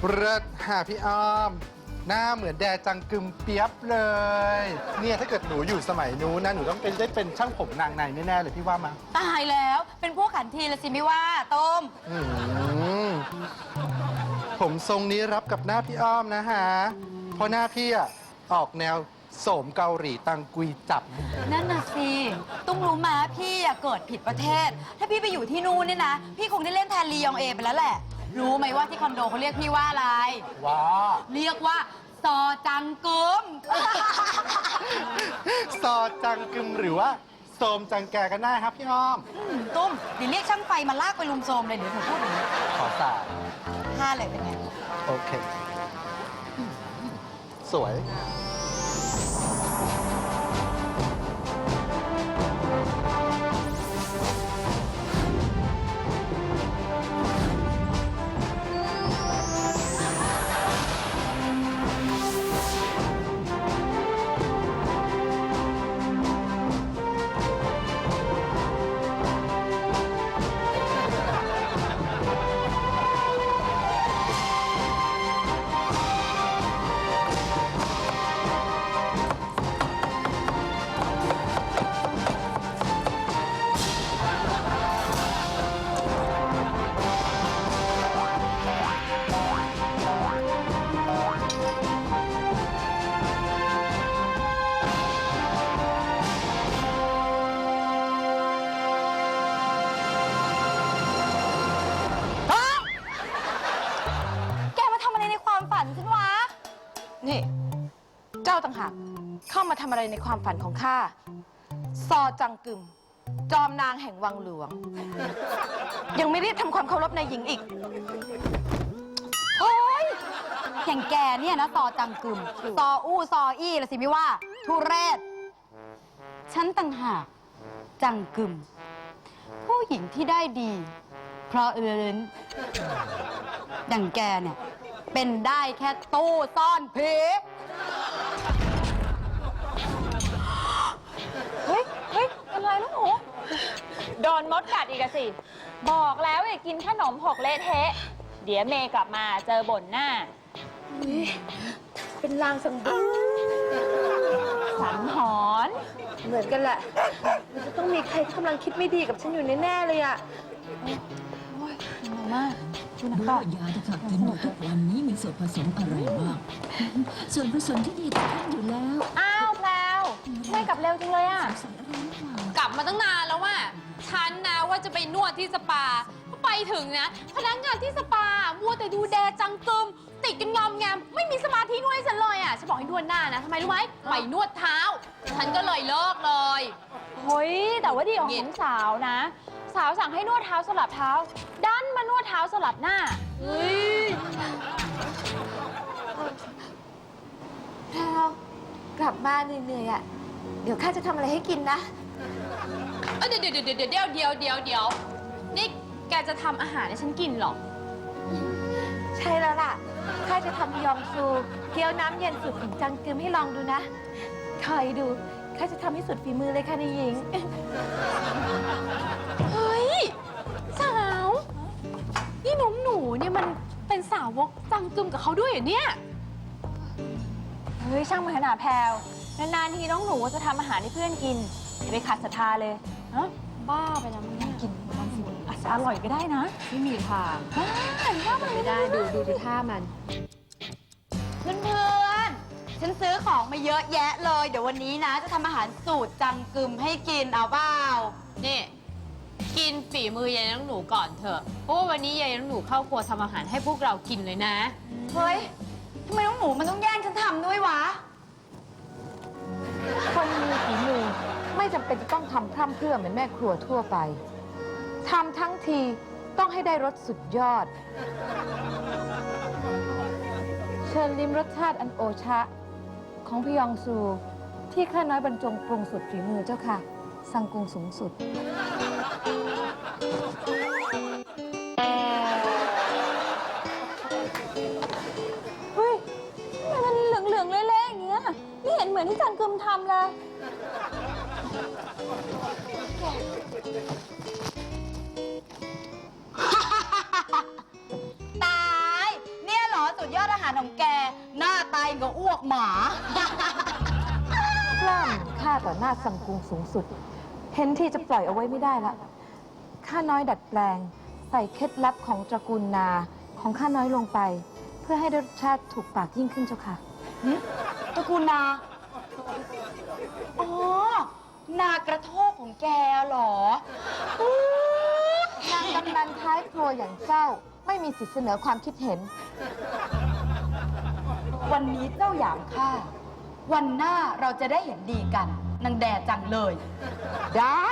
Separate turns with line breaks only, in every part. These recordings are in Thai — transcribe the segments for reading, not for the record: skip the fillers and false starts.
เลิศหาพี่อ้อม หน้าเหมือนแดจังกึมเปียบเลยเนี่ยถ้าเกิดหนูอยู่สมัยนู้นนะหนูต้องได้เป็นช่างผมนางในแน่ๆเลยพี่ว่ามา
ตายแล้วเป็นพวกขันทีละสิไม่ว่าต้ม
ผมทรงนี้รับกับหน้าพี่อ้อมนะฮะเพราะหน้าพี่อะออกแนวโสมเกาหลีตังกุยจับ
นั่นน่ะสิตุ้มรู้มาพี่อะเกิดผิดประเทศ ถ้าพี่ไปอยู่ที่นู่นเนี่ยนะ พี่คงได้เล่นแทนลียองเอไปแล้วแหละ รู้ไหมว่าที่คอนโดเขาเรียกพี่ว่าอะไร
ว้า
เรียกว่าซอจังกึม
ซอจังกึมหรือว่าโสมจังแกกันได้ครับพี่อ้อม
ตุ้มเดี๋ยวเรียกช่างไฟมาลากไปลุมโทรมเลยเดี๋ยวเธอพูดอย่างนี้
ขอสาย
ท่าเลยเป็นไง
โอเค สวย
แกมาทำอะไรในความฝันฉันวะ
นี่ เจ้าต่างหากเข้ามาทำอะไรในความฝันของข้า ซอจังกึม จอมนางแห่งวังหลวง ยังไม่รีบทำความเคารพนายหญิงอีก
โอ้ยอย่างแกเนี่ยนะซอจังกึมซออู้ซออี้ละสิไม่ว่า ทุเรศ ฉันต่างหากจังกึม ผู้หญิงที่ได้ดี เพราะอย่างแกเนี่ย เป็นได้แค่ตู้ซ่อนผี
เฮ้ยเป็นไรลูกหนูโดนมดกัดอีกอะสิ บอกแล้วอย่ากินขนมหกเละเทะ เดี๋ยวเมย์กลับมาเจอบ่นหน้า
เป็นลางสังหรณ์
สังหรณ์
เหมือนกันแหละมันจะต้องมีใครที่กำลังคิดไม่ดีกับฉันอยู่แน่ๆเลยอะ
รู้ว่ายาที่ข้ากินอยู่ทุกวันนี้มีส่วนผสมอะไรบ้าง ส่วนผสมที่ดีต่อท่านอยู่แล้ว
อ้าวแพลวเมย์กลับเร็วจังเลยอะ
ใส่อะไรหรือเปล่าก
ลับมาตั้งนานแล้วว่าฉันนะว่าจะไปนวดที่สปาไปถึงนะพนักงานที่สปามัวแต่ดูแดจังกึมติดกันงอมแงมไม่มีสมาธินวดให้ฉันเลยอ่ะฉันบอกให้นวดหน้านะทำไมรู้ไหมไปนวดเท้า ฉันก็เลยเลิกเลย
เฮ้ยแต่ว่าดีของสาวนะ สาวสั่งให้นวดเท้าสลับเท้า ดันมานวดเท้าสลับหน้า
เฮ้ย
แพลวกลับมาเหนื่อยๆอะเดี๋ยวข้าจะทำอะไรให้กินนะ
เดี๋ยวนี่แกจะทำอาหารให้ฉันกินเหรอ
ใช่แล้วล่ะ ข้าจะทำยองซูเกี๊ยวน้ำเย็นสูตรของจังกึมให้ลองดูนะ คอยดู ข้าจะทำให้สุดฝีมือเลยค่ะนายหญิง
เฮ้ยสาวนี่หนูเนี่ยมันเป็นสาวกจังกึมกับเขาด้วยเหรอเนี่ย
เฮ้ยช่างมันขนาดแพลวนานๆทีน้องหนูจะทำอาหารให้เพื่อนกินอย่าไปขัดศรัทธาเลยฮะบ้าไปแล้วมันกินมันสิอาจจะอร่อยก็ได้นะ
ไม่มีทาง
ไม่ได้ดู
ท่ามัน
เพื่อนๆ ฉันซื้อของมาเยอะแยะเลย เดี๋ยววันนี้นะ จะทำอาหารสูตรจังกึมให้กินเอาเปล่า
นี่กินฝีมือยายน้องหนูก่อนเถอะเพราะว่าวันนี้ยายน้องหนูเข้าครัวทำอาหารให้พวกเรากินเลยนะ
เฮ้ย ทำไมน้องหนูมันต้องแย่งฉันทำด้วยวะ
คนมีฝีมือไม่จำเป็นจะต้องทำพร่ำเพรื่อเหมือนแม่ครัวทั่วไป ทำทั้งทีต้องให้ได้รสสุดยอด เชิญลิ้มรสชาติอันโอชะ ของพยองซู ที่ข้าน้อยบรรจงปรุงสุดฝีมือเจ้าค่ะ สั่งกรุงสูงสุด
เฮ้ยทำไมมันเหลืองๆเละๆอย่างเงี้ยไม่เห็นเหมือนที่จันกึมทำเลย
ตาย เนี่ยเหรอสุของแก หน้าตายกับอ้วกหมา
กล้ามข้าต่อหน้าสังกุงสูงสุด เห็นที่จะปล่อยเอาไว้ไม่ได้ละข้าน้อยดัดแปลง ใส่เคล็ดลับของตระกูลนาของข้าน้อยลงไป เพื่อให้รสชาติถูกปากยิ่งขึ้นเจ้าค่ะ
ตระกูลนา อ๋อ นากระโทกของแกเหรอ
นางกำนันท้ายครัวอย่างเจ้า ไม่มีสิทธิเสนอความคิดเห็น
วันนี้เจ้าหยามข้า วันหน้าเราจะได้เห็นดีกัน นางแดจังเลย
ได้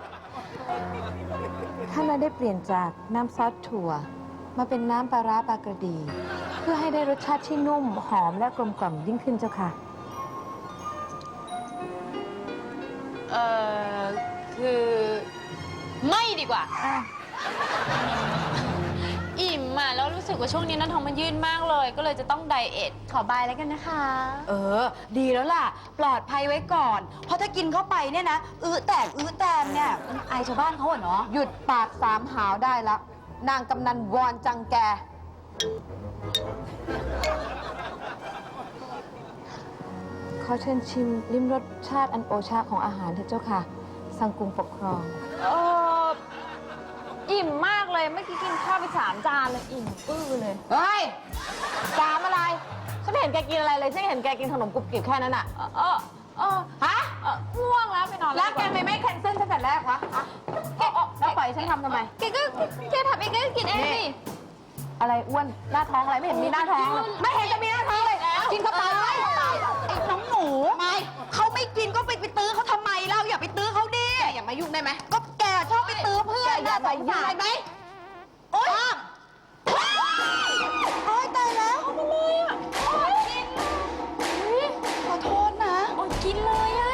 ข้าน้อยได้เปลี่ยนจากน้ำซอสถั่ว มาเป็นน้ำปลาร้าปลากระดี เพื่อให้ได้รสชาติที่นุ่มหอมและกลมกล่อมยิ่งขึ้นเจ้าค่ะ
คือไม่ดีกว่า อิ่มอ่ะแล้วรู้สึกว่าช่วงนี้หน้าท้องมันยืดมากเลย ก็เลยจะต้องไดเอทขอบายแล้วกันนะคะ
เออ ดีแล้วล่ะ ปลอดภัยไว้ก่อน เพราะถ้ากินเข้าไปเนี่ยนะ อื้อแตกเนี่ยมันอายชาวบ้านเขาอะเนาะ
หยุดปากสามหาวได้ละ นางกำนันวอนจังแก ขอเชิญชิมลิ้มรสชาติอันโอชาของอาหารเถอะเจ้าค่ะ สังกุงปกครอง
อิ่มมากเลยเมื่อกี้กินข้าวไป3 จานเลยอิ่มปื้อเลย
เฮ้ยสามอะไร ฉันไม่เห็นแกกินอะไรเลย ฉันเห็นแกกินขนมกรุบกริบแค่นั้นอะฮะ
ง่วงแล้วไปนอน
แล้วแกไม่แคนเซิลตั้งแต่แรกวะอะแล้วปล่อยให้ฉันทำทำไม
แกทำเองก็กินเองสิ
อะไรอ้วน หน้าท้องอะไรไม่เห็นมีหน้าท้องเลยไม่เห็นจะมีหน้าท้องเลย กินเข้าไป
ไอ้น้องหนูไม่เขาไม่กินก็ไปตื้อเขาทำไมเล่าอย่าไปตื้อเขาดิ
อย่ามายุ่งได้ไหม
ก็แกชอบไปตื้อเพื่อน
อย่าใส่ยุ่งได้ไหม
โอ๊ยโอ๊ยตายแล้วเอามาเลยอ่ะโอ๊ยขอโทษนะ
โอ้ยกินเลยอ่ะ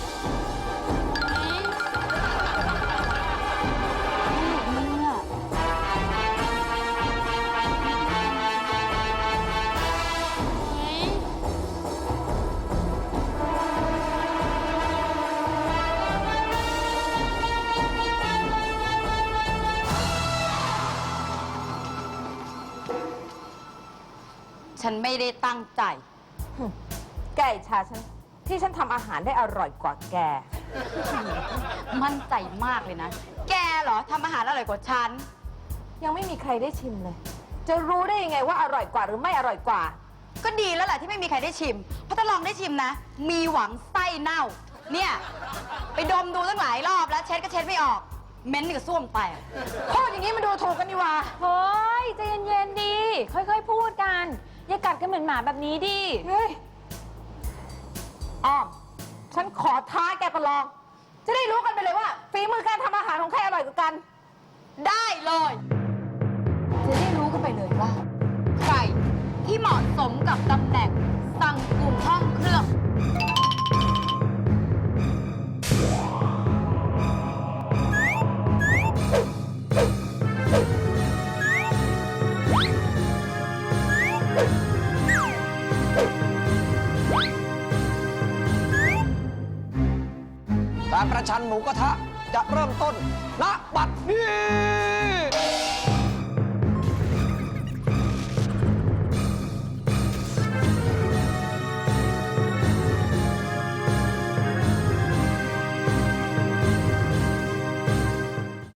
ฉันไม่ได้ตั้งใจ
แกอิจฉาฉัน ที่ฉันทำอาหารได้อร่อยกว่าแก
มั่นใจมากเลยนะ แกเหรอทำอาหารอร่อยกว่าฉัน
ยังไม่มีใครได้ชิมเลย จะรู้ได้ยังไงว่าอร่อยกว่าหรือไม่อร่อยกว่า
ก็ดีแล้วแหละที่ไม่มีใครได้ชิม เพราะถ้าลองได้ชิมนะ มีหวังไส้เน่า เนี่ย ไปดมดูตั้งหลายรอบแล้วเช็ดก็เช็ดไม่ออก เม้นกับส้วมแตก
พูดอย่างนี้มันดูถูกกันนี่หว่า
เฮ้ยใจเย็นๆดี ค่อยๆพูดกัน อย่ากัดกันเหมือนหมาแบบนี้ดิ
เฮ้ย อ้อม ฉันขอท้าแกประลอง จะได้รู้กันไปเลยว่าฝีมือการทำอาหารของใครอร่อยกว่ากัน
ได้เลย จะได้รู้กันไปเลยว่า ใครที่เหมาะสมกับตำแหน่งสั่งกลุ่มห้องเครื่อง
การประชันหมูกระทะจะเริ่มต้นณบัดนี้